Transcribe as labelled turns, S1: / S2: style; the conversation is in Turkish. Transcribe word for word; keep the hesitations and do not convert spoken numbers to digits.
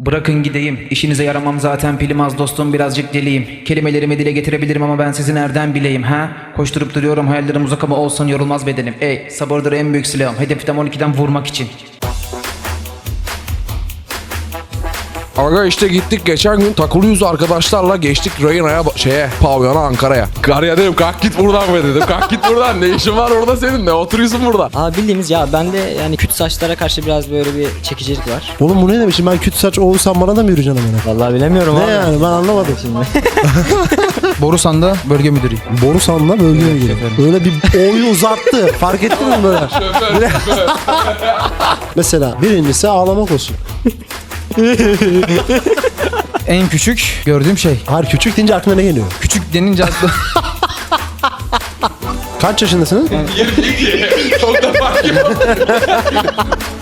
S1: Bırakın gideyim. İşinize yaramam zaten, pilim az dostum, birazcık deliyim. Kelimelerimi dile getirebilirim ama ben sizi nereden bileyim ha? Koşturup duruyorum, hayallerim uzak ama olsun yorulmaz bedenim. Ey sabırdır en büyük silahım, hedeften on ikiden vurmak için.
S2: Aga işte gittik geçen gün takılıyoruz arkadaşlarla, geçtik Reyna'ya şeye pavyona Ankara'ya. Karıya dedim kalk git buradan be dedim. Kalk git buradan, ne işin var orada senin, ne oturuyorsun burada?
S3: Abi bildiğimiz ya, bende yani küt saçlara karşı biraz böyle bir çekicilik var.
S4: Oğlum bu ne demek? Şimdi ben küt saç olsam bana da mı yürüyeceksin amına?
S3: Vallahi bilemiyorum
S4: Ne
S3: abi.
S4: yani, ben anlamadım.
S3: Şimdi.
S1: Borusan'da bölge müdürüyüm.
S4: Borusan'la bölgeye giriyor. Böyle bir oyu uzattı. Fark ettin mi böyle? Mesela birincisi ağlamak olsun.
S1: En küçük gördüğüm şey.
S4: Hayır, küçük deyince aklına ne geliyor?
S1: Küçük denince aklı...
S4: Kaç yaşındasınız?
S2: Çok da fark yok.